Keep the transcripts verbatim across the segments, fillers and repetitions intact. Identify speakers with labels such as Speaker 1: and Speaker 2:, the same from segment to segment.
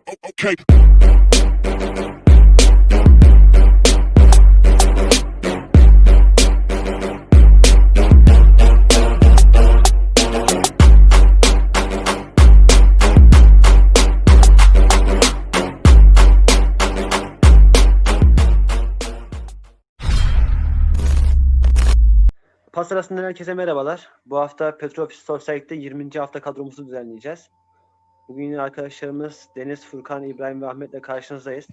Speaker 1: Okay.
Speaker 2: Pas arasından herkese merhabalar. Bu hafta Petrofis Society'de yirminci hafta kadromuzu düzenleyeceğiz. Bugün yine arkadaşlarımız Deniz, Furkan, İbrahim ve Ahmet'le karşınızdayız.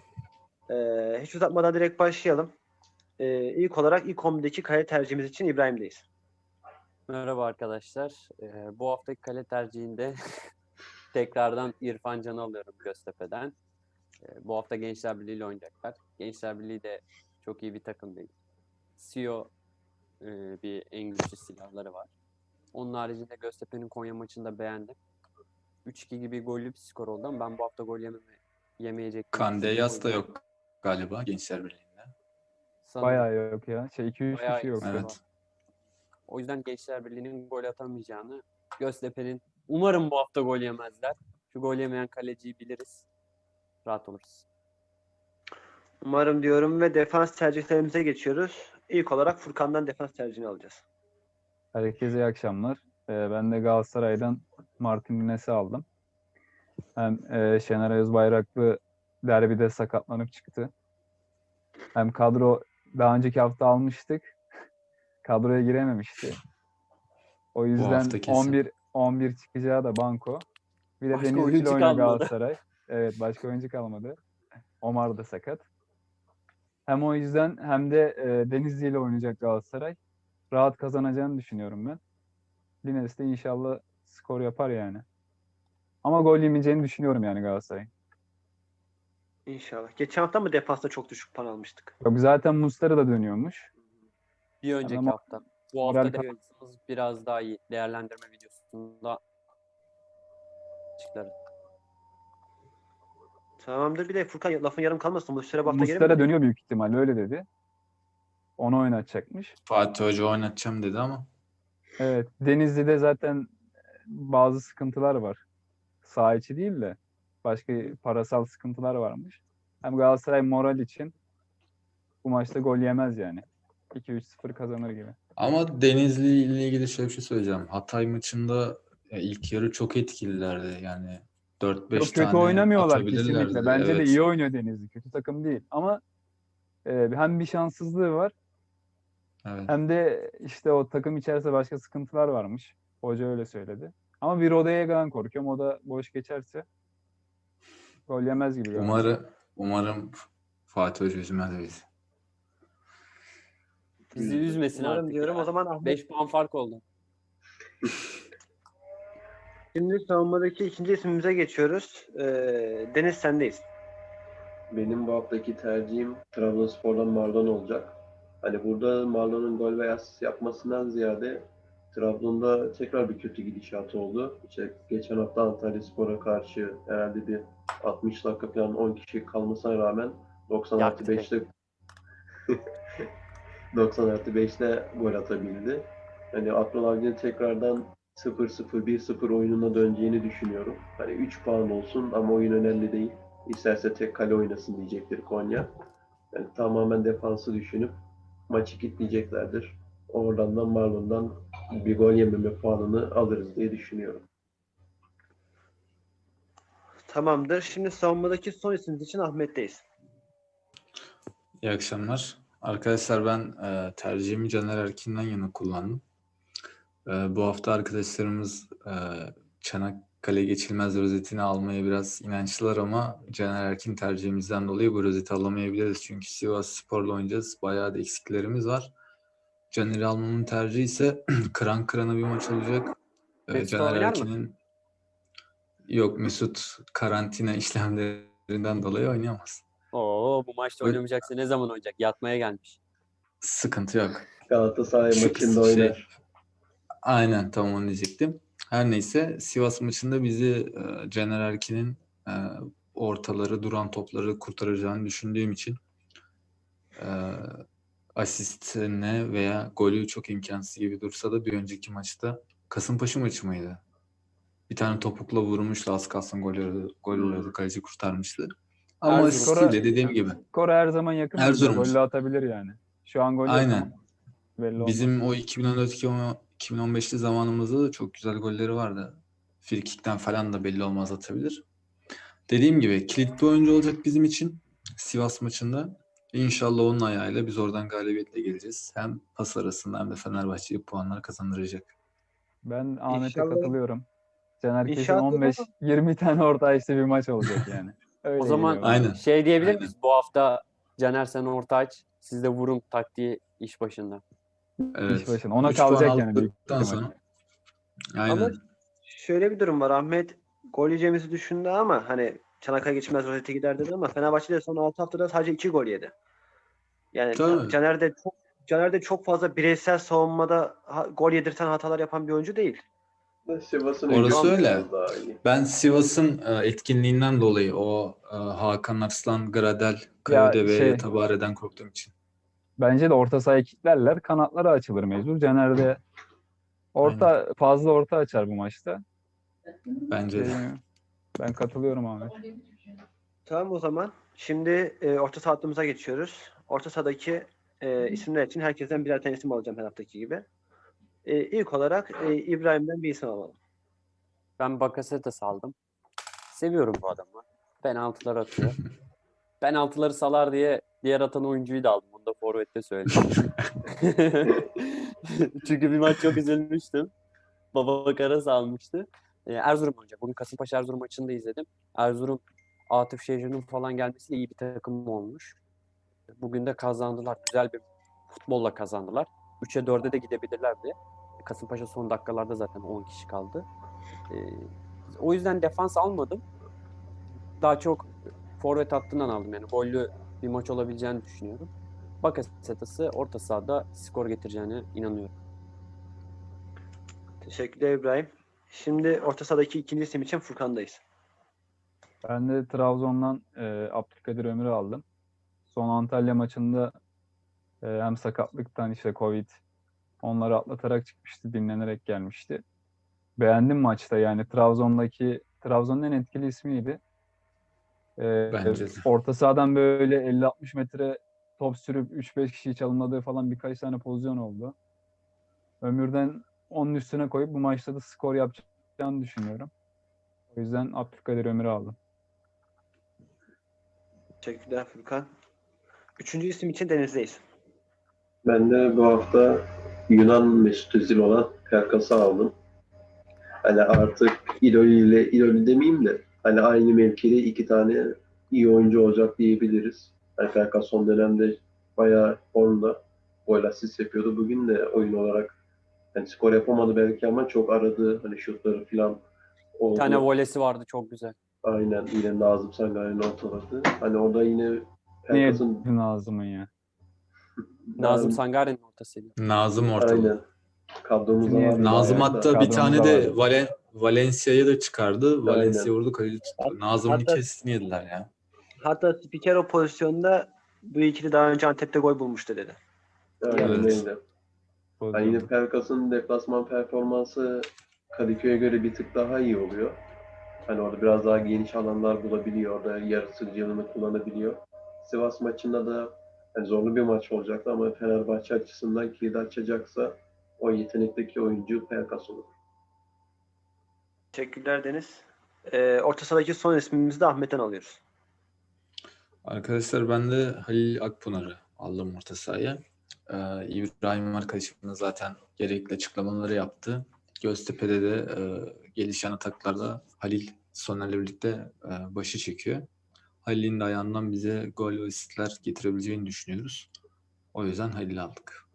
Speaker 2: Ee, hiç uzatmadan direkt başlayalım. Ee, ilk olarak ilk on birdeki kale tercihimiz için İbrahim'deyiz.
Speaker 3: Merhaba arkadaşlar. Ee, bu haftaki kale tercihinde tekrardan İrfan Can'ı alıyorum Göztepe'den. Ee, bu hafta Gençler Birliği ile oynayacaklar. Gençler Birliği de çok iyi bir takım değil. C E O e, bir en güçlü silahları var. Onun haricinde Göztepe'nin Konya maçını da beğendim. üç iki gibi gollü bir skor oldu ama ben bu hafta gol yememe, yemeyecek.
Speaker 4: Kandeyas da yok galiba Gençler Birliği'nde.
Speaker 3: Sanırım.
Speaker 5: Bayağı yok ya. Şey iki üç
Speaker 3: Bayağı
Speaker 5: kişi yok.
Speaker 3: eksik
Speaker 4: Evet.
Speaker 3: var. O yüzden Gençler Birliği'nin gol atamayacağını, Göztepe'nin umarım bu hafta gol yemezler. Şu gol yemeyen kaleciyi biliriz. Rahat oluruz.
Speaker 2: Umarım diyorum ve defans tercihlerimize geçiyoruz. İlk olarak Furkan'dan defans tercihini alacağız.
Speaker 5: Herkese iyi akşamlar. Ee, ben de Galatasaray'dan Martin Günes'i aldım. Hem e, Şener Özbayraklı derbide sakatlanıp çıktı. Hem kadro daha önceki hafta almıştık. Kadroya girememişti. O yüzden
Speaker 4: hafta kesin.
Speaker 5: on bir on bir çıkacağı da banko. Bir de
Speaker 3: Başka
Speaker 5: Denizli
Speaker 3: oyuncu
Speaker 5: ile oynuyor
Speaker 3: kalmadı.
Speaker 5: Galatasaray. Evet, başka oyuncu kalmadı. Omar da sakat. Hem o yüzden hem de e, Denizli ile oynayacak Galatasaray. Rahat kazanacağını düşünüyorum ben. Lines de inşallah skor yapar yani. Ama gol yemeyeceğini düşünüyorum yani Galatasaray'ın.
Speaker 2: İnşallah. Geçen hafta mı defansta çok düşük puan almıştık?
Speaker 5: Yok, zaten Muslera da dönüyormuş.
Speaker 3: Bir önceki
Speaker 5: Ama-
Speaker 3: hafta. Bu
Speaker 5: Moral
Speaker 3: hafta
Speaker 5: kap-
Speaker 3: defansımız biraz daha iyi. Değerlendirme videosunda açıklarız.
Speaker 2: Tamamdır. Bir de Furkan lafın yarım kalmasın. Bu süre bu hafta
Speaker 5: Muslera
Speaker 2: gelir mi?
Speaker 5: dönüyor büyük ihtimalle, öyle dedi. Onu oynatacakmış.
Speaker 4: Fatih Hoca oynatacağım dedi ama
Speaker 5: Evet, Denizli'de zaten bazı sıkıntılar var. Saha içi değil de başka parasal sıkıntılar varmış. Hem Galatasaray moral için bu maçta gol yemez yani. iki üç sıfır kazanır gibi.
Speaker 4: ama Denizli ile ilgili şöyle bir şey söyleyeceğim. Hatay maçında ya ilk yarı çok etkililerdi. Yani dört beş
Speaker 5: Çok kötü
Speaker 4: tane
Speaker 5: oynamıyorlar
Speaker 4: atabilirlerdi.
Speaker 5: kesinlikle. Bence de
Speaker 4: Evet.
Speaker 5: iyi oynuyor Denizli. Kötü takım değil. Ama e, hem bir şanssızlığı var
Speaker 4: Evet.
Speaker 5: hem de işte o takım içerisinde başka sıkıntılar varmış. Hoca öyle söyledi. Ama bir Rodayega'dan korkuyorum. O da boş geçerse gol yemez gibi. galiba.
Speaker 4: Umarım umarım Fatih Hoca üzmez bizi.
Speaker 3: Bizi üzmesin
Speaker 2: Umarım
Speaker 3: artık.
Speaker 2: diyorum.
Speaker 3: ya.
Speaker 2: O zaman Ahmet.
Speaker 3: beş puan fark oldu.
Speaker 2: Şimdi savunmadaki ikinci ismimize geçiyoruz. Ee, Deniz sendeyiz.
Speaker 6: Benim bu haftaki tercihim Trabzonspor'dan Marlon olacak. Hani burada Marlon'un gol veya asist yapmasından ziyade Trabzon'da tekrar bir kötü gidişat oldu. İşte geçen hafta Antalyaspor'a karşı herhalde bir altmış dakika falan on kişi kalmasına rağmen doksan artı
Speaker 3: Yaktı
Speaker 6: beşte doksan artı beşte gol atabildi. Hani Abdullah Avcı'nın tekrardan sıfır sıfır bir sıfır oyununa döneceğini düşünüyorum. Hani üç puan olsun ama oyun önemli değil. İsterse tek kale oynasın diyecektir Konya. Yani tamamen defansı düşünüp maçı kilitleyeceklerdir. Oradan da Marlon'dan bir gol yememe puanını alırız diye düşünüyorum.
Speaker 2: Tamamdır. Şimdi savunmadaki son ismimiz için Ahmet'teyiz.
Speaker 4: İyi akşamlar. Arkadaşlar ben e, tercihimi Caner Erkin'den yana kullandım. E, bu hafta arkadaşlarımız e, Çanakkale Geçilmez rozetini almaya biraz inançlılar ama Caner Erkin tercihimizden dolayı bu rozeti alamayabiliriz. Çünkü Sivasspor'la oynayacağız. Bayağı da eksiklerimiz var. Caner'i almamın tercihi ise kıran kırana bir maç olacak. E,
Speaker 3: Mesut
Speaker 4: Caner
Speaker 3: oynar mı?
Speaker 4: Erkin'in yok Mesut karantina işlemlerinden dolayı oynayamaz.
Speaker 3: Oo, bu maçta
Speaker 4: Öyle-
Speaker 3: oynamayacaksa ne zaman oynayacak? Yatmaya gelmiş.
Speaker 4: Sıkıntı yok.
Speaker 6: Galatasaray
Speaker 4: Şu-
Speaker 6: maçında
Speaker 4: şey-
Speaker 6: oynar.
Speaker 4: Aynen tam onu diyecektim. Her neyse Sivas maçında bizi e, Caner Erkin'in e, ortaları, duran topları kurtaracağını düşündüğüm için e, asistine veya golü çok imkansız gibi dursa da bir önceki maçta Kasımpaşa maçı mıydı? Bir tane topukla vurmuştu, az kalsın gol oluyordu, gol oluyordu. Kaleci kurtarmıştı. Ama
Speaker 3: Erzurum.
Speaker 4: Sivas'ta dediğim gibi.
Speaker 5: Skora her zaman yakın oynuyor.
Speaker 4: Erzurum.
Speaker 5: Golle atabilir yani. Şu an gol yok ama
Speaker 4: Aynen.
Speaker 5: belli olmaz.
Speaker 4: Bizim o iki bin on dört iki bin on beşli zamanımızda da çok güzel golleri vardı. Frikikten falan da belli olmaz atabilir. Dediğim gibi kilit bir oyuncu olacak bizim için Sivas maçında. İnşallah onun ayağıyla biz oradan galibiyetle geleceğiz. Hem pas arasında hem de Fenerbahçe'ye puanlar kazandıracak.
Speaker 5: Ben Ahmet'e
Speaker 2: İnşallah-
Speaker 5: katılıyorum. Caner kesin
Speaker 2: İnşallah
Speaker 5: on beş yirmi tane orta işte bir maç olacak yani. Öyle
Speaker 3: O zaman
Speaker 5: geliyor bana.
Speaker 4: Aynen.
Speaker 3: şey diyebilir
Speaker 4: Aynen.
Speaker 3: miyiz? Bu hafta Caner sen orta aç, siz de vurun taktiği iş başında.
Speaker 4: Evet.
Speaker 5: İş başına. Ona
Speaker 4: Üç puan
Speaker 5: kalacak yani büyük
Speaker 4: aldıktan
Speaker 5: ihtimal.
Speaker 4: sonra. Aynen.
Speaker 2: Ama şöyle bir durum var. Ahmet gol yiyeceğimizi düşündü ama hani Çanakkale geçmez rozete gider dedi ama Fenerbahçe de son altı haftada sadece iki gol yedi. Yani
Speaker 4: Tabii.
Speaker 2: Caner de çok Caner de çok fazla bireysel savunmada ha- gol yedirten hatalar yapan bir oyuncu değil.
Speaker 6: Sivas'ın
Speaker 4: Orası
Speaker 6: hücumu
Speaker 4: öyle.
Speaker 6: biraz daha iyi.
Speaker 4: Ben Sivas'ın e, etkinliğinden dolayı o e, Hakan Arslan, Gradel, Kayode ve
Speaker 5: şey-
Speaker 4: Tabare'den korktuğum için.
Speaker 5: Bence de orta sahayı kilitlerler. Kanatları açılır mecbur. Caner de orta fazla orta açar bu maçta.
Speaker 4: Bence de.
Speaker 5: Ee, Ben katılıyorum Ahmet.
Speaker 2: Tamam o zaman. Şimdi e, orta saha hattımıza geçiyoruz. Orta sahadaki e, isimler için herkesten birer tane isim alacağım her haftaki gibi. E, ilk olarak e, İbrahim'den bir isim alalım.
Speaker 3: Ben Bakasetas aldım. Seviyorum bu adamı. Penaltılar atıyor. Penaltıları salar diye diğer atan oyuncuyu da aldım. Bunu da forvette söyleyeyim. Çünkü bir maç çok üzülmüştüm. Baba Karas almıştı. Ee, Erzurum olacak. Bugün Kasımpaşa Erzurum maçını da izledim. Erzurum Atıf Şehir'in falan gelmesiyle iyi bir takım olmuş. Bugün de kazandılar. Güzel bir futbolla kazandılar. üçe dörde de gidebilirler diye. Kasımpaşa son dakikalarda zaten on kişi kaldı. Ee, o yüzden defans almadım. Daha çok forvet hattından aldım. Yani gollü bir maç olabileceğini düşünüyorum. Bakasetas'ı orta sahada skor getireceğine inanıyorum.
Speaker 2: Teşekkürler İbrahim. Şimdi orta sahadaki ikinci isim için Furkan'dayız.
Speaker 5: Ben de Trabzon'dan e, Abdülkadir Ömür'ü aldım. Son Antalya maçında e, hem sakatlıktan işte Covid onları atlatarak çıkmıştı, dinlenerek gelmişti. Beğendim maçta yani Trabzon'daki Trabzon'un en etkili ismiydi. E,
Speaker 4: Bence de.
Speaker 5: Orta sahadan böyle elli altmış metre top sürüp üç beş kişiyi çalımladığı falan birkaç tane pozisyon oldu. Ömür'den onun üstüne koyup bu maçta da skor yapacağını düşünüyorum. O yüzden Abdülkadir Ömür'ü aldım.
Speaker 2: Teşekkürler Furkan. Üçüncü isim için Deniz'deyiz.
Speaker 6: Ben de bu hafta Yunan Mesut Özil olan Pelkas'ı aldım. Hani artık İdoli ile İdoli demeyeyim de hani aynı mevkide iki tane iyi oyuncu olacak diyebiliriz. Yani Pelkas son dönemde bayağı formda gol asist yapıyordu. Bugün de oyun olarak yani skor yapamadı belki ama çok aradı. Hani şutları falan
Speaker 3: Bir
Speaker 6: oldu.
Speaker 3: tane volesi vardı çok güzel.
Speaker 6: Aynen yine Nazım Sangay'ın ortaladı. Hani orada yine
Speaker 5: Niye
Speaker 6: Pelkas'ın
Speaker 5: Nazım'ın ya?
Speaker 3: Nazım Sangare'nin ortasıydı.
Speaker 4: Nazım ortalı.
Speaker 6: aynen kadromuzda
Speaker 5: Niye-
Speaker 6: var.
Speaker 4: Nazım
Speaker 6: bayağı da.
Speaker 4: hatta bir
Speaker 5: Kadromuzda
Speaker 4: tane de
Speaker 5: vardı.
Speaker 4: Valen Valencia'yı da çıkardı. Valencia
Speaker 6: Aynen.
Speaker 4: vurdu, kaleci tuttu. Nazım'ın
Speaker 2: Hatta-
Speaker 4: kesini yediler ya.
Speaker 2: Hatta spiker o pozisyonda bu ikili daha önce Antep'te gol bulmuştu dedi.
Speaker 6: Aynen
Speaker 4: Evet.
Speaker 6: öyle. Yani yine Pelkas'ın deplasman performansı Kadıköy'e göre bir tık daha iyi oluyor. Hani orada biraz daha geniş alanlar bulabiliyor. Orada yaratıcılığını kullanabiliyor. Sivas maçında da yani zorlu bir maç olacaktı ama Fenerbahçe açısından kilidi açacaksa o yetenekteki oyuncu Pelkas olur.
Speaker 2: Teşekkürler Deniz. Ee, orta sahadaki son ismimizi de Ahmet'ten alıyoruz.
Speaker 4: Arkadaşlar ben de Halil Akpınar'ı aldım orta sahaya. Ee, İbrahim arkadaşım da zaten gerekli açıklamaları yaptı. Göztepe'de de e, gelişen ataklarda Halil Soner'le birlikte e, başı çekiyor. Halil'in de ayağından bize gol ve asistler getirebileceğini düşünüyoruz. O yüzden Halil'i aldık.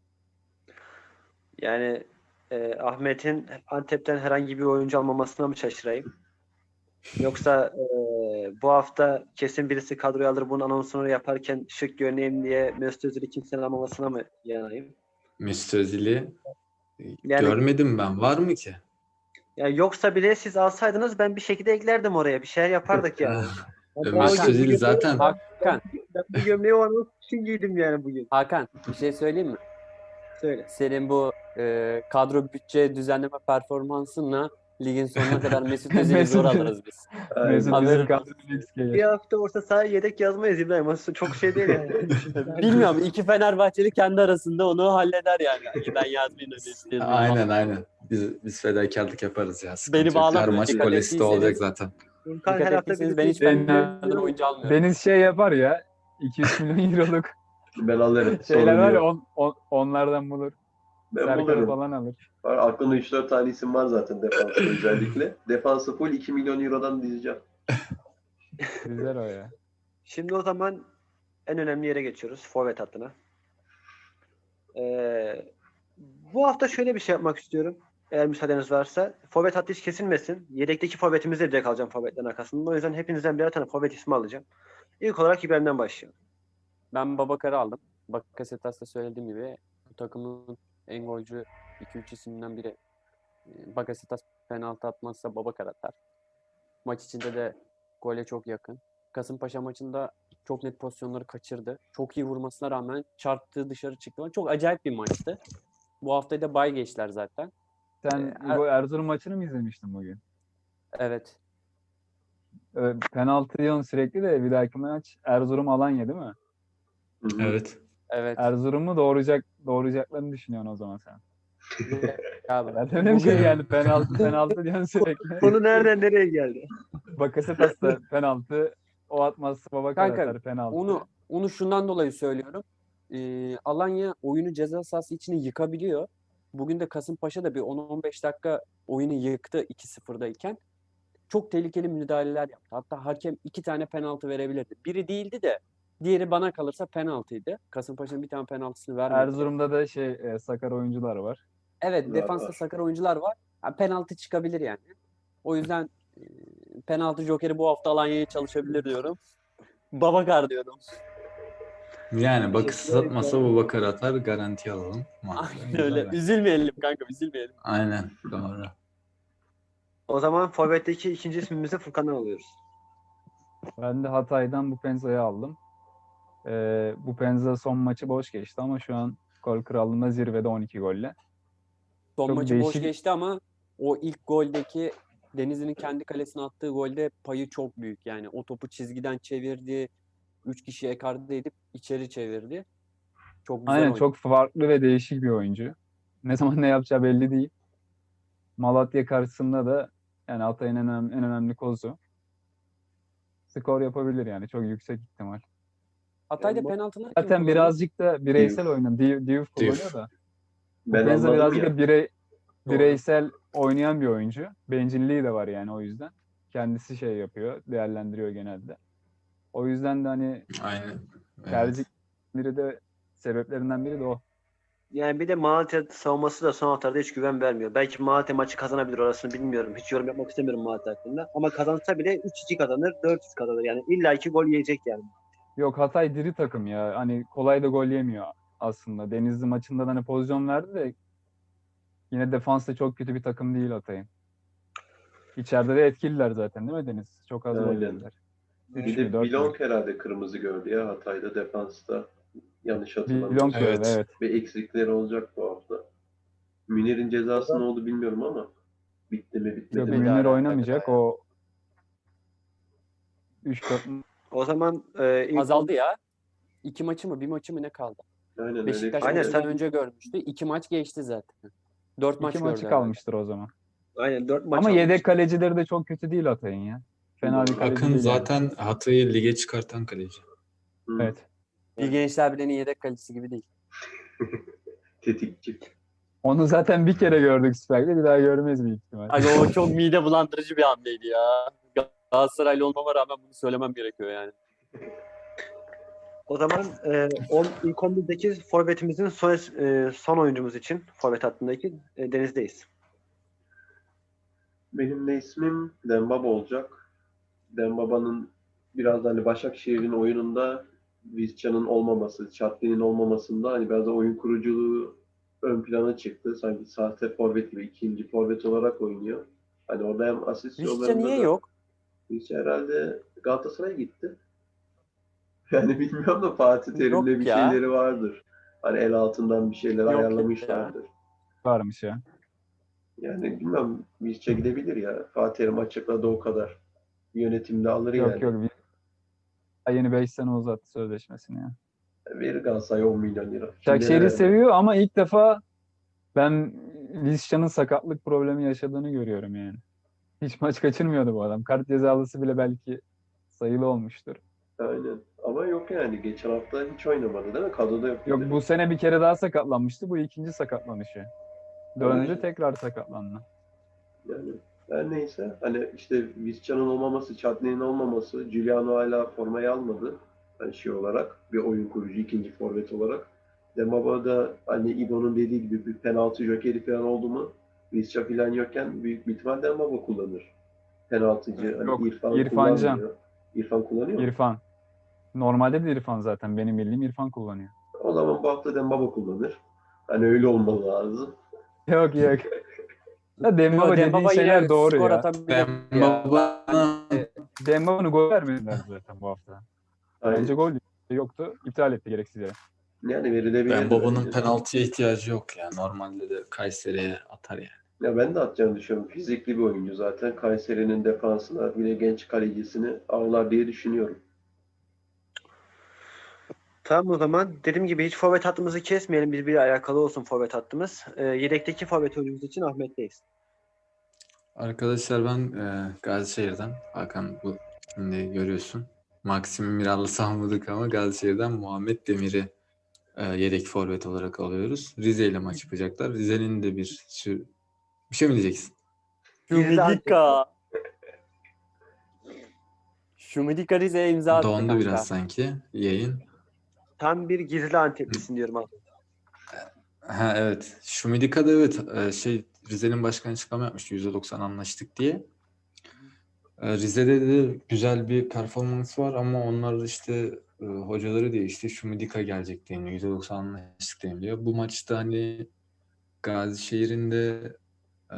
Speaker 2: Yani e, Ahmet'in Antep'ten herhangi bir oyuncu almamasına mı şaşırayım? Yoksa e, bu hafta kesin birisi kadroya alır bunun anonsunu yaparken şık görüneyim diye Mesut Özil'i kimsenin almamasına mı yanayım?
Speaker 4: Mesut Özil'i
Speaker 2: Yani-
Speaker 4: görmedim ben. Var mı ki?
Speaker 2: Yani yoksa bile siz alsaydınız ben bir şekilde eklerdim oraya. Bir şeyler yapardık yani. Ben o
Speaker 4: Mesut
Speaker 2: gün-
Speaker 4: Özil
Speaker 2: bugün-
Speaker 4: zaten
Speaker 3: Hakan,
Speaker 2: Ben bu gömleği o anons için giydim yani bugün.
Speaker 3: Hakan bir şey söyleyeyim mi?
Speaker 2: Söyle.
Speaker 3: Senin bu e, kadro bütçe düzenleme performansınla Ligin sonuna kadar Mesut Özil'i
Speaker 5: Mesut-
Speaker 3: zor alırız biz.
Speaker 6: Aynen.
Speaker 5: Mesut
Speaker 3: Haberin
Speaker 5: bizim
Speaker 3: olsun.
Speaker 5: kadro X gelir.
Speaker 2: Bir hafta orta sahaya yedek yazmayız İbrahim. Aslında çok şey değil yani.
Speaker 3: Bilmiyorum. iki Fenerbahçeli kendi arasında onu halleder yani. Hani ben yazmayayım da Mesut yazmayayım.
Speaker 4: Aynen aynen. Biz biz fedakarlık yaparız ya. Sıkıntı
Speaker 3: Beni
Speaker 4: yok.
Speaker 3: bağlamayın.
Speaker 4: Her maç
Speaker 3: Dikkat
Speaker 4: golesi de olacak
Speaker 3: ettiyseniz-
Speaker 4: zaten.
Speaker 2: Furkan
Speaker 3: Dikkat
Speaker 2: her hafta
Speaker 3: ettiyseniz
Speaker 2: bir
Speaker 3: ben hiç
Speaker 5: Deniz-
Speaker 3: Fener'den oyuncu almıyorum.
Speaker 5: Deniz şey yapar ya. iki üç milyon euroluk
Speaker 6: Ben alırım.
Speaker 5: şeyler
Speaker 6: sorun
Speaker 5: var ya
Speaker 6: yok.
Speaker 5: on, on- onlardan bulur.
Speaker 6: Ben
Speaker 5: Serkan'ı
Speaker 6: bulurum.
Speaker 5: falan alır.
Speaker 6: Var, aklımda üç dört tane isim var zaten defansta özellikle. Defansı full iki milyon eurodan dizeceğim.
Speaker 5: Güzel o ya.
Speaker 2: Şimdi o zaman en önemli yere geçiyoruz. Forvet hattına. Ee, bu hafta şöyle bir şey yapmak istiyorum. Eğer müsaadeniz varsa. Forvet hattı hiç kesilmesin. Yedekteki forvetimizi de direkt alacağım forvetlerin arkasında. O yüzden hepinizden birer tane forvet ismi alacağım. İlk olarak İbrahim'den başlayalım.
Speaker 3: Ben Babakar'ı aldım. Bakasetas'ta söylediğim gibi bu takımın en golcü iki üç isimden biri. Ee, Bakasetas penaltı atmazsa Babakar atar. Maç içinde de gole çok yakın. Kasımpaşa maçında çok net pozisyonları kaçırdı. Çok iyi vurmasına rağmen çarptığı dışarı çıktı. Çok acayip bir maçtı. Bu haftayı da bay geçtiler zaten.
Speaker 5: Sen
Speaker 3: Ee, er-
Speaker 5: bu Erzurum maçını mı izlemiştin bugün?
Speaker 3: Evet.
Speaker 5: Ee, penaltı diyorsun sürekli de bir dahaki maç Erzurum Alanya değil mi?
Speaker 6: Hı hı.
Speaker 4: Evet.
Speaker 3: Evet.
Speaker 5: Erzurum'u doğuracak doğuracaklarını düşünüyorsun o zaman sen.
Speaker 3: Abi.
Speaker 5: Ben de öyle bir şey geldi. Penaltı penaltı diyorsun sürekli.
Speaker 2: Konu nereden nereye geldi?
Speaker 5: Bakasetas da penaltı. O atmazsa Babakar
Speaker 3: Kanka,
Speaker 5: atar penaltı.
Speaker 3: Onu onu şundan dolayı söylüyorum. Ee, Alanya oyunu ceza sahası içine yıkabiliyor. Bugün de Kasımpaşa da bir on on beş dakika oyunu yıktı iki sıfırdayken. Çok tehlikeli müdahaleler yaptı. Hatta hakem iki tane penaltı verebilirdi. Biri değildi de diğeri bana kalırsa penaltıydı. Kasımpaşa'nın bir tane penaltısını vermedi.
Speaker 5: Erzurum'da da şey e, sakar oyuncular var.
Speaker 3: Evet,
Speaker 6: Var,
Speaker 3: defansta
Speaker 6: var.
Speaker 3: sakar oyuncular var. Ha, penaltı çıkabilir yani. O yüzden e, penaltı jokeri bu hafta Alanya'ya çalışabilir diyorum. Babakar diyorum.
Speaker 4: Yani bakısı satmasa bu bakar atar, garanti alalım. Mantıklı,
Speaker 3: Aynen
Speaker 4: güzel
Speaker 3: öyle.
Speaker 4: bence.
Speaker 3: Üzülmeyelim kanka, üzülmeyelim.
Speaker 4: Aynen doğru.
Speaker 2: O zaman forvetteki ikinci ismimizi Furkan'dan alıyoruz.
Speaker 5: Ben de Hatay'dan bu Penza'yı aldım. Ee, bu Penza son maçı boş geçti ama şu an gol krallığında zirvede on iki golle.
Speaker 3: Son
Speaker 5: Çok
Speaker 3: maçı boş
Speaker 5: değişik-
Speaker 3: geçti ama o ilk goldeki Denizli'nin kendi kalesine attığı golde payı çok büyük. Yani o topu çizgiden çevirdi. Üç kişi ekarte edip içeri çevirdi. Çok güzel
Speaker 5: Aynen
Speaker 3: oynadı.
Speaker 5: çok farklı ve değişik bir oyuncu. Ne zaman ne yapacağı belli değil. Malatya karşısında da yani Hatay'ın en önemli, en önemli kozu. Skor yapabilir yani çok yüksek ihtimal.
Speaker 3: Hatay'da
Speaker 2: Yani bu-
Speaker 3: penaltılar kim
Speaker 5: Zaten
Speaker 3: kullanıyor?
Speaker 5: birazcık da bireysel
Speaker 6: Diouf.
Speaker 5: oynadı. Diouf Diouf kullanıyor
Speaker 4: Diouf.
Speaker 5: da. Bu
Speaker 6: Ben
Speaker 5: Penza
Speaker 6: anladım
Speaker 5: birazcık
Speaker 6: ya.
Speaker 5: da birey,
Speaker 3: Doğru.
Speaker 5: bireysel oynayan bir oyuncu. Bencilliği de var yani o yüzden. Kendisi şey yapıyor, değerlendiriyor genelde. O yüzden de hani
Speaker 4: Aynen. Evet.
Speaker 5: tercih biri de sebeplerinden biri de o.
Speaker 2: Yani bir de Malatya savunması da son haftalarda hiç güven vermiyor. Belki Malatya maçı kazanabilir, orasını bilmiyorum. Hiç yorum yapmak istemiyorum Malatya hakkında. Ama kazansa bile üç iki kazanır, dört üç kazanır. Yani illa iki gol yiyecek yani.
Speaker 5: Yok Hatay diri takım ya. Hani kolay da gol yemiyor aslında. Denizli maçında da hani pozisyon verdi de yine defansta çok kötü bir takım değil Hatay'ın. İçeride de etkililer zaten değil mi Deniz? Çok az gol
Speaker 6: Aynen.
Speaker 5: yediler. Üç
Speaker 6: Bir
Speaker 5: mü,
Speaker 6: de
Speaker 5: dört
Speaker 6: Bilong
Speaker 5: mü?
Speaker 6: herhalde kırmızı gördü ya Hatay'da defansta. Yanlış hatırlamıyorsam.
Speaker 5: Bilong gördü
Speaker 4: Evet.
Speaker 5: evet.
Speaker 6: Ve eksikleri olacak bu hafta. Münir'in cezası ne oldu bilmiyorum ama bitti mi bitmedi
Speaker 5: Yok
Speaker 6: mi?
Speaker 3: bir daha
Speaker 5: Münir
Speaker 3: ya,
Speaker 5: oynamayacak.
Speaker 3: bir daha ya.
Speaker 5: O üç dört
Speaker 2: O zaman e, ilk
Speaker 3: Azaldı ya. İki maçı mı bir maçı mı ne kaldı?
Speaker 6: Aynen öyle.
Speaker 3: Beşiktaş
Speaker 2: Aynen,
Speaker 3: maçından
Speaker 2: sen-
Speaker 3: önce görmüştü. İki maç geçti zaten. Dört maç
Speaker 5: iki
Speaker 3: gördü
Speaker 5: maçı
Speaker 3: herhalde.
Speaker 5: kalmıştır o zaman.
Speaker 2: aynen dört maç
Speaker 5: Ama
Speaker 2: almış.
Speaker 5: yedek kalecileri de çok kötü değil Hatay'ın ya. Fena bir kaleci
Speaker 4: Akın
Speaker 5: değil yani.
Speaker 4: zaten Hatay'ı lige çıkartan kaleci.
Speaker 6: Hı,
Speaker 5: Evet.
Speaker 3: Bir Gençler Birliği'nin yedek kalecisi gibi değil.
Speaker 6: Tetikçi.
Speaker 5: Onu zaten bir kere gördük Süper Lig'de. Bir daha görmeyiz büyük ihtimal.
Speaker 3: Aga o çok mide bulandırıcı bir hamleydi ya. Galatasaraylı olmama rağmen bunu söylemem gerekiyor yani.
Speaker 2: O zaman e, on, ilk on birdeki forvetimizin son, e, son oyuncumuz için forvet hattındaki e, Deniz'deyiz.
Speaker 6: Benim de ismim Dembaba olacak. Dembaba'nın biraz da hani Başakşehir'in oyununda Vizcan'ın olmaması, Çatli'nin olmamasında hani biraz da oyun kuruculuğu ön plana çıktı. Sanki sahte forvet gibi ikinci forvet olarak oynuyor. Hani orada hem asist
Speaker 3: Vişça
Speaker 6: yollarında
Speaker 3: niye
Speaker 6: da-
Speaker 3: yok?
Speaker 6: Vizca herhalde Galatasaray'a gitti. Yani bilmiyorum da Fatih Terim'le
Speaker 3: Yok
Speaker 6: bir
Speaker 3: ya.
Speaker 6: şeyleri vardır. Hani el altından bir şeyler
Speaker 3: Yok
Speaker 6: ayarlamışlardır.
Speaker 5: Varmış ya.
Speaker 6: Yani bilmem Visca gidebilir ya. Fatih Terim açıkladı o kadar. Yönetimde alır
Speaker 5: Yok
Speaker 6: yani.
Speaker 5: yok. Bir- Yeni beş sene uzattı sözleşmesini ya.
Speaker 6: Verir Galatasaray on milyon lira. Kimlere
Speaker 5: Başakşehir'i
Speaker 6: vermez?
Speaker 5: seviyor ama ilk defa ben Vizca'nın sakatlık problemi yaşadığını görüyorum yani. Hiç maç kaçırmıyordu bu adam. Kart cezalısı bile belki sayılı olmuştur.
Speaker 6: Aynen. Ama yok yani. Geçen hafta hiç oynamadı değil mi? Kadroda yok.
Speaker 5: Yok
Speaker 6: dedi.
Speaker 5: bu sene bir kere daha sakatlanmıştı. Bu ikinci sakatlanışı. Döndü
Speaker 6: Aynen.
Speaker 5: tekrar sakatlandı.
Speaker 6: Yani her neyse. Hani işte Visca'nın olmaması, Chadni'nin olmaması, Giuliano hala formayı almadı. Hani şey olarak. Bir oyun kurucu, ikinci forvet olarak. Dembaba da hani İbo'nun dediği gibi bir penaltı jokeri falan oldu mu Visca falan yokken büyük bir ihtimal Dembaba kullanır. Penaltıcı. Hani
Speaker 5: Yok,
Speaker 6: İrfan
Speaker 5: İrfan Can.
Speaker 6: kullanmıyor. İrfan kullanıyor mu?
Speaker 5: İrfan. Normalde de İrfan zaten. Benim bildiğim İrfan kullanıyor.
Speaker 6: O zaman bu hafta Dembaba kullanır. Hani öyle olmalı lazım.
Speaker 5: Yok yok. Ya Dembaba
Speaker 3: Yo,
Speaker 5: dediğin
Speaker 3: Dembaba yine
Speaker 5: şeyler doğru
Speaker 3: skor
Speaker 5: ya.
Speaker 3: atabilir ya.
Speaker 4: Dembaba'nın
Speaker 3: Ben, e,
Speaker 5: Dembaba'nın gol vermediler zaten bu hafta.
Speaker 6: Aynen.
Speaker 5: Bence gol yoktu. İptal etti gereksiz yere.
Speaker 6: Yani verilebilir
Speaker 4: Dembaba'nın
Speaker 6: bence.
Speaker 4: penaltıya ihtiyacı yok ya. Normalde de Kayseri'ye atar yani.
Speaker 6: Ya ben de atacağını düşünüyorum. Fizikli bir oyuncu zaten. Kayseri'nin defansına bile genç kalecisini ağlar diye düşünüyorum.
Speaker 2: Tamam o zaman. Dediğim gibi hiç forvet hattımızı kesmeyelim. Birbiriyle alakalı olsun forvet hattımız. Ee, yedekteki forvet oyuncumuz için Ahmet'teyiz.
Speaker 4: Arkadaşlar ben e, Gazişehir'den Hakan bu şimdi görüyorsun. Maxim'i Miral'la salmadık ama Gazişehir'den Muhammed Demir'i e, yedek forvet olarak alıyoruz. Rize ile maç yapacaklar. Rize'nin de bir sür... Bir şey mi diyeceksin?
Speaker 2: Gizli
Speaker 3: Şumidika. Şumidika Rize'ye imza attı
Speaker 4: Dondu
Speaker 3: kanka.
Speaker 4: biraz sanki yayın.
Speaker 2: Tam bir gizli Anteplisin diyorum abi.
Speaker 4: Ha evet. Şumidika da evet e, şey Rize'nin başkanı açıklama yapmıştı. yüzde doksan anlaştık diye. E, Rize'de de güzel bir performans var ama onlar işte e, hocaları değişti. Şumidika gelecek deniyor. yüzde doksan anlaştık deniliyor. Bu maçta hani Gazişehir'in de e,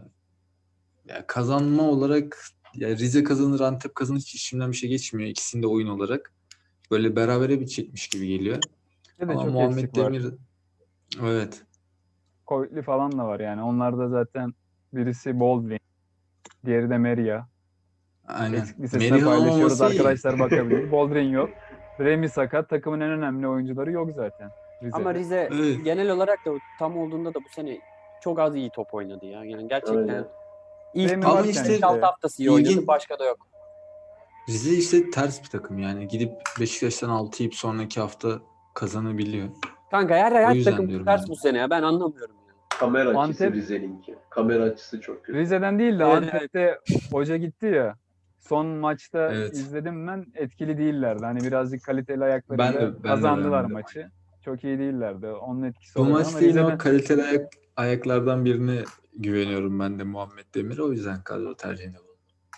Speaker 4: ya kazanma olarak ya Rize kazanır, Antep kazanır hiç içimden bir şey geçmiyor. İkisinde oyun olarak. Böyle berabere bitecekmiş gibi geliyor.
Speaker 5: Bir de
Speaker 4: Ama
Speaker 5: çok
Speaker 4: Muhammed
Speaker 5: eksik var.
Speaker 4: Demir evet.
Speaker 5: Covid'li falan da var yani. Onlar da zaten birisi Boldrin, diğeri de Meria.
Speaker 4: Aynen.
Speaker 5: Eksik listesine
Speaker 4: Merih'in
Speaker 5: paylaşıyoruz.
Speaker 4: olmaması iyi.
Speaker 5: Arkadaşlar bakabilir. Boldrin yok. Remy sakat. Takımın en önemli oyuncuları yok zaten. Rize'de.
Speaker 3: Ama Rize
Speaker 4: Evet.
Speaker 3: genel olarak da tam olduğunda da bu sene çok az iyi top oynadı ya. Yani gerçekten
Speaker 6: Aynen.
Speaker 3: ilk
Speaker 5: Remy
Speaker 4: Ama
Speaker 5: varken
Speaker 4: işte-
Speaker 3: beş altı haftası iyi oynadı.
Speaker 4: İlgin-
Speaker 3: Başka da yok.
Speaker 4: Rize işte ters bir takım yani. Gidip Beşiktaş'tan altı yiyip sonraki hafta kazanabiliyor.
Speaker 3: Kanka her,
Speaker 4: O
Speaker 3: her
Speaker 4: yüzden
Speaker 3: takım
Speaker 4: diyorum
Speaker 3: ters
Speaker 4: yani.
Speaker 3: bu sene ya. Ben anlamıyorum ya.
Speaker 6: Kamera açısı
Speaker 5: Antep-
Speaker 6: Rize'ninki. Kamera açısı çok kötü.
Speaker 5: Rize'den değil de
Speaker 3: Evet,
Speaker 5: Antep'te hoca gitti ya. Son maçta
Speaker 4: Evet.
Speaker 5: izledim ben. Etkili değillerdi. Hani birazcık kaliteli ayaklarıyla
Speaker 4: Ben de- ben de
Speaker 5: kazandılar
Speaker 4: beğenmedim.
Speaker 5: maçı. Çok iyi değillerdi. Onun etkisi
Speaker 4: Bu
Speaker 5: olabilir ama
Speaker 4: maçta yine
Speaker 5: Rize'den
Speaker 4: o kaliteli ayak, ayaklardan birine güveniyorum ben de Muhammed Demir'e. O yüzden kadro tercihinde bulundum.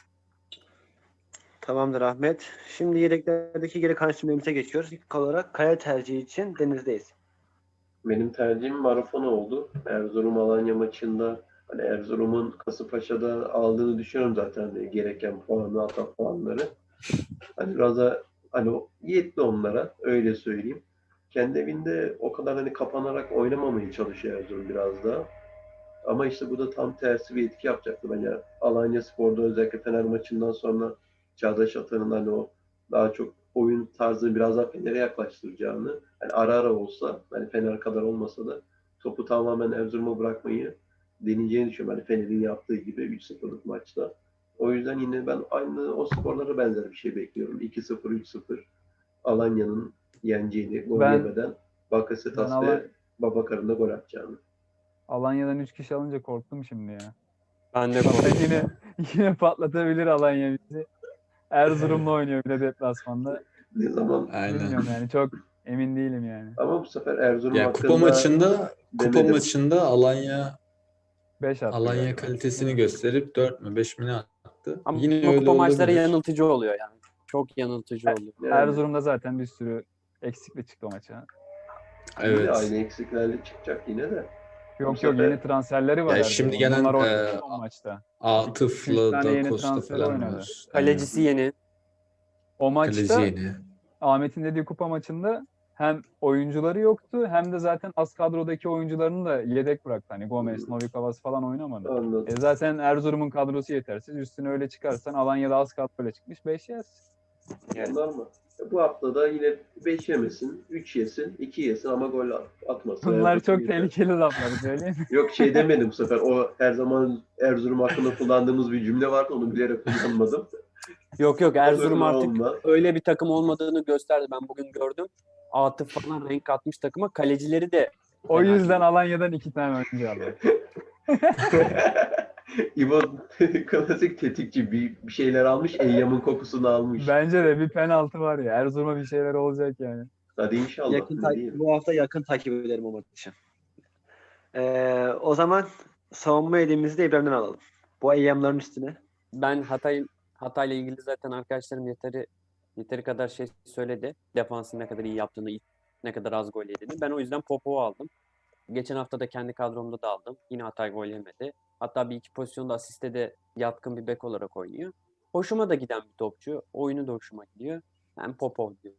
Speaker 2: Tamamdır Ahmet. Şimdi yedeklerdeki geri kalan isimlerimize geçiyoruz. İlk olarak kaya tercihi için Deniz'deyiz.
Speaker 6: Benim tercihim Marafona oldu. Erzurum Alanya maçında hani Erzurum'un Kasımpaşa'da aldığını düşünüyorum zaten hani gereken puanı, hata puanları. Hani biraz da hani o yetti onlara öyle söyleyeyim. Kendi evinde o kadar hani kapanarak oynamamaya çalışıyor Erzurum biraz daha. Ama işte bu da tam tersi bir etki yapacaktı. Hani Alanya Spor'da özellikle Fener maçından sonra Çağdaş Atan'ın hani o daha çok oyun tarzını biraz daha Fener'e yaklaştıracağını, hani ara ara olsa, hani Fener kadar olmasa da topu tamamen Erzurum'a bırakmayı deneyeceğini düşünüyorum. Hani Fener'in yaptığı gibi üç sıfırlık maçta. O yüzden yine ben aynı o skorlara benzer bir şey bekliyorum. iki sıfır, üç sıfır Alanya'nın yeneceğini, gol
Speaker 5: Ben-
Speaker 6: yemeden Bakasetas
Speaker 5: ben Alan-
Speaker 6: ve Babakar'ın da gol atacağını.
Speaker 5: Alanya'dan üç kişi alınca korktum şimdi ya.
Speaker 3: Ben de
Speaker 5: Hatta
Speaker 3: korkuyorum.
Speaker 5: yine yine patlatabilir Alanya bizi. Erzurum'la oynuyor bir de deplasmanda.
Speaker 6: Ne zaman
Speaker 4: Aynen.
Speaker 5: Bilmiyorum yani çok emin değilim yani.
Speaker 6: ama bu sefer Erzurum
Speaker 4: Ya kupa
Speaker 6: hakkında
Speaker 4: maçında kupa
Speaker 6: demedim.
Speaker 4: maçında Alanya
Speaker 5: beş attı
Speaker 4: Alanya
Speaker 5: galiba.
Speaker 4: kalitesini gösterip dört mü beş mi ne attı.
Speaker 3: Ama
Speaker 4: Yine
Speaker 3: kupa
Speaker 4: öyle
Speaker 3: maçları
Speaker 4: olabilir.
Speaker 3: yanıltıcı oluyor yani. Çok yanıltıcı oluyor.
Speaker 6: Yani
Speaker 5: Erzurum'da zaten bir sürü eksikle çıktı o maça.
Speaker 6: yine
Speaker 4: Evet.
Speaker 6: aynı eksiklerle çıkacak yine de.
Speaker 5: Yok
Speaker 6: Bu
Speaker 5: yok
Speaker 6: sefer-
Speaker 5: yeni transferleri var
Speaker 4: Ya
Speaker 5: Erzurum'un.
Speaker 4: şimdi gelen,
Speaker 5: Bunlar oynadı
Speaker 4: e,
Speaker 5: son maçta. iki
Speaker 4: Atıf'la
Speaker 5: tane yeni
Speaker 4: da Costa
Speaker 5: transferi
Speaker 4: falan
Speaker 5: oynadı.
Speaker 4: var.
Speaker 3: Kalecisi yeni.
Speaker 5: O
Speaker 4: Aynen. Kaleci
Speaker 5: maçta
Speaker 4: yeni.
Speaker 5: Ahmet'in dediği kupa maçında hem oyuncuları yoktu hem de zaten az kadrodaki oyuncularını da yedek bıraktı. Hani Gomez, Novikovas falan oynamadı.
Speaker 6: Anladım.
Speaker 5: E zaten Erzurum'un kadrosu yetersiz. Üstüne öyle çıkarsan Alanya'da az kadroyla çıkmış. beş yersin.
Speaker 3: Evet.
Speaker 6: Normal. Bu hafta da yine beş yemesin, üç yesin, iki yesin ama gol at- atmasın.
Speaker 5: Bunlar
Speaker 6: Erzurum
Speaker 5: çok
Speaker 6: yeter.
Speaker 5: tehlikeli laflar söyleyeyim mi?
Speaker 6: Yok şey demedim bu sefer. O her zaman Erzurum hakkında kullandığımız bir cümle vardı. Onu bilerek kullanmadım.
Speaker 3: Yok yok, Erzurum
Speaker 6: Olur mu,
Speaker 3: artık
Speaker 6: olmaz.
Speaker 3: öyle bir takım olmadığını gösterdi. Ben bugün gördüm. Atıf falan renk katmış takıma. Kalecileri de
Speaker 5: O
Speaker 3: fena
Speaker 5: yüzden
Speaker 3: değil.
Speaker 5: Alanya'dan iki tane oyuncu aldı.
Speaker 6: İbo klasik tetikçi bir, bir şeyler almış. Eyyam'ın kokusunu almış.
Speaker 5: Bence de bir penaltı var ya. Erzurum'a bir şeyler olacak yani.
Speaker 6: Hadi inşallah.
Speaker 2: Yakın
Speaker 6: Ne
Speaker 2: ta-
Speaker 6: diyeyim?
Speaker 2: bu hafta yakın takip ederim o maçı. Ee, o zaman savunma elimizi de İbrahim'den alalım. Bu eyyamların üstüne.
Speaker 3: Ben Hatay Hatay'la ilgili zaten arkadaşlarım yeteri yeteri kadar şey söyledi. Defansın ne kadar iyi yaptığını, ne kadar az gol yediğini. Ben o yüzden Popov'u aldım. Geçen hafta da kendi kadromda da aldım. Yine Hatay gol yemedi. Hatta bir iki pozisyonda asiste de yatkın bir bek olarak oynuyor. Hoşuma da giden bir topçu. Oyunu da hoşuma gidiyor. Ben Popov diyorum.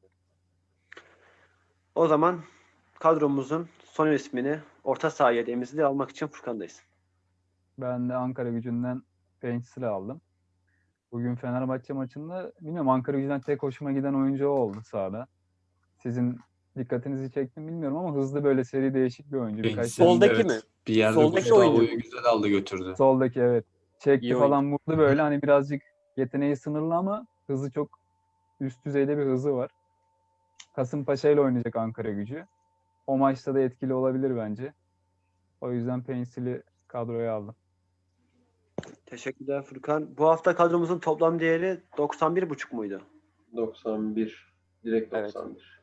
Speaker 2: O zaman kadromuzun son ismini orta saha yedeğimizi de almak için Furkan'dayız.
Speaker 5: Ben de Ankara Gücü'nden Pencil'i aldım. Bugün Fenerbahçe maçında bilmiyorum Ankara Gücü'nden tek hoşuma giden oyuncu o oldu sahada. Sizin dikkatinizi çektim bilmiyorum ama hızlı böyle seri değişik bir oyuncu. Birkaç
Speaker 4: Pencil,
Speaker 3: Soldaki
Speaker 4: evet,
Speaker 3: mi?
Speaker 4: bir yerde
Speaker 3: Soldaki
Speaker 4: Gustavo'yu
Speaker 3: oyuncu mu?
Speaker 4: güzel aldı götürdü.
Speaker 5: soldaki evet. Çekti
Speaker 3: İyi
Speaker 5: falan vurdu böyle hani birazcık yeteneği sınırlı ama hızı çok üst düzeyde bir hızı var. Kasımpaşa ile oynayacak Ankara Gücü. O maçta da etkili olabilir bence. O yüzden Pencil'i kadroya aldım.
Speaker 2: Teşekkürler Furkan. Bu hafta kadromuzun toplam değeri doksan bir buçuk muydu?
Speaker 6: doksan bir. Direkt
Speaker 3: Evet.
Speaker 6: doksan bir.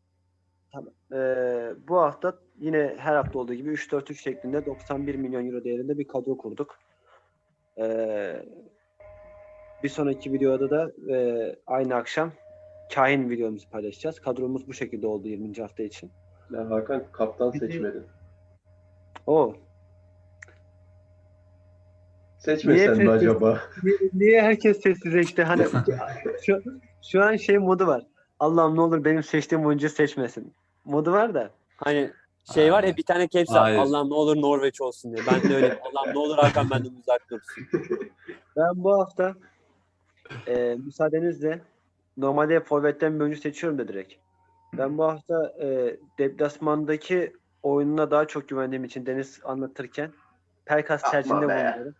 Speaker 2: Ee, bu hafta yine her hafta olduğu gibi üç dört üç şeklinde doksan bir milyon euro değerinde bir kadro kurduk. Ee, bir sonraki videoda da e, aynı akşam kahin videomuzu paylaşacağız. Kadromuz bu şekilde oldu yirminci hafta için.
Speaker 6: Ya Hakan kaptan
Speaker 2: Bir de-
Speaker 6: seçmedin.
Speaker 2: O
Speaker 6: Seçmesen
Speaker 2: Niye
Speaker 6: mi
Speaker 2: sessiz?
Speaker 6: acaba?
Speaker 2: niye, niye herkes sessizleşti? Hani şu, şu an şey modu var. Allah'ım ne olur benim seçtiğim oyuncu seçmesin. Modu var da.
Speaker 3: Hani şey var ya,
Speaker 4: Hayır.
Speaker 3: bir tane caps
Speaker 4: Hayır.
Speaker 3: Allah'ım ne olur Norveç olsun diye. Ben de öyle. Allah'ım ne olur Hakan benden uzak dursun.
Speaker 2: Ben bu hafta e, müsaadenizle normalde forvetten bir oyuncu seçiyorum da direkt. Ben bu hafta e, deplasmandaki oyununa daha çok güvendiğim için Deniz anlatırken Pelkas
Speaker 6: Yapma
Speaker 2: tercihinde
Speaker 6: be.
Speaker 2: bulunuyorum.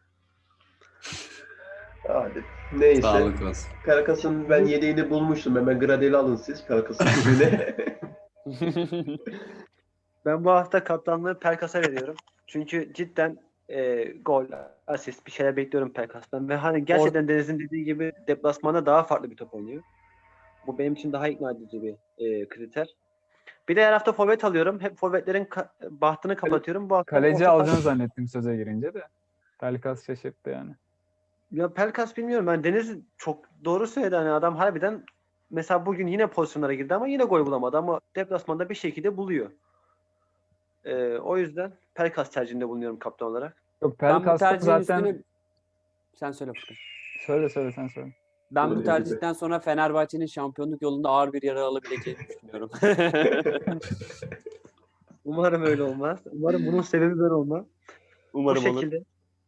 Speaker 6: Hadi. Neyse.
Speaker 4: Sağlık olsun.
Speaker 6: Karakas'ın ben yedeğini bulmuştum. Hemen Gradel'i alın siz. Karakas'ın kulübüne.
Speaker 2: Ben bu hafta kaptanlığı Pelkas'a veriyorum. Çünkü cidden e, gol, asist bir şeyler bekliyorum Pelkas'tan. Ve hani gerçekten Deniz'in dediği gibi deplasmanda daha farklı bir top oynuyor. Bu benim için daha ikna edici bir e, kriter. Bir de her hafta forvet alıyorum. Hep forvetlerin ka- bahtını kapatıyorum. Bu hafta
Speaker 5: Kaleci
Speaker 2: orta-
Speaker 5: alacaksın zannettim söze girince de. Pelkas şaşırttı yani.
Speaker 2: Ya Pelkas bilmiyorum. Ben Deniz çok doğru söyledi. Hani adam harbiden mesela bugün yine pozisyonlara girdi ama yine gol bulamadı. Ama deplasmanda bir şekilde buluyor. E, o yüzden Pelkas tercihinde bulunuyorum kaptan olarak.
Speaker 5: Yok
Speaker 3: Ben bu
Speaker 5: Pelkas'ta
Speaker 3: tercihin
Speaker 5: zaten
Speaker 3: üstüne... Sen söyle Furkan.
Speaker 5: söyle söyle sen söyle.
Speaker 3: Ben
Speaker 6: Öyle
Speaker 3: bu
Speaker 6: gibi.
Speaker 3: tercihten sonra Fenerbahçe'nin şampiyonluk yolunda ağır bir yara alabileceğini düşünüyorum.
Speaker 2: Umarım öyle olmaz. Umarım bunun sebebi ben olmam.
Speaker 3: Umarım
Speaker 2: Bu
Speaker 3: olur.
Speaker 2: şekilde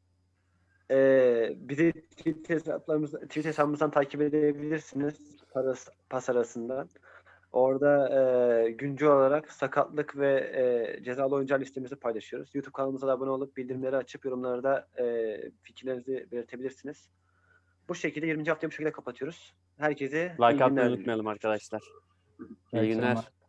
Speaker 2: e, bizi Twitter hesaplarımızdan, Twitter hesabımızdan takip edebilirsiniz. Paras, pas arasından. Orada e, güncel olarak sakatlık ve e, cezalı oyuncular listemizi paylaşıyoruz. YouTube kanalımıza da abone olup bildirimleri açıp yorumlarda e, fikirlerinizi belirtebilirsiniz. Bu şekilde yirminci haftayı bu şekilde kapatıyoruz. Herkese iyi
Speaker 3: Like
Speaker 2: günler
Speaker 3: atmayı
Speaker 2: diliyorum.
Speaker 3: unutmayalım arkadaşlar.
Speaker 5: İyi
Speaker 3: İyi günler.
Speaker 5: akşamlar.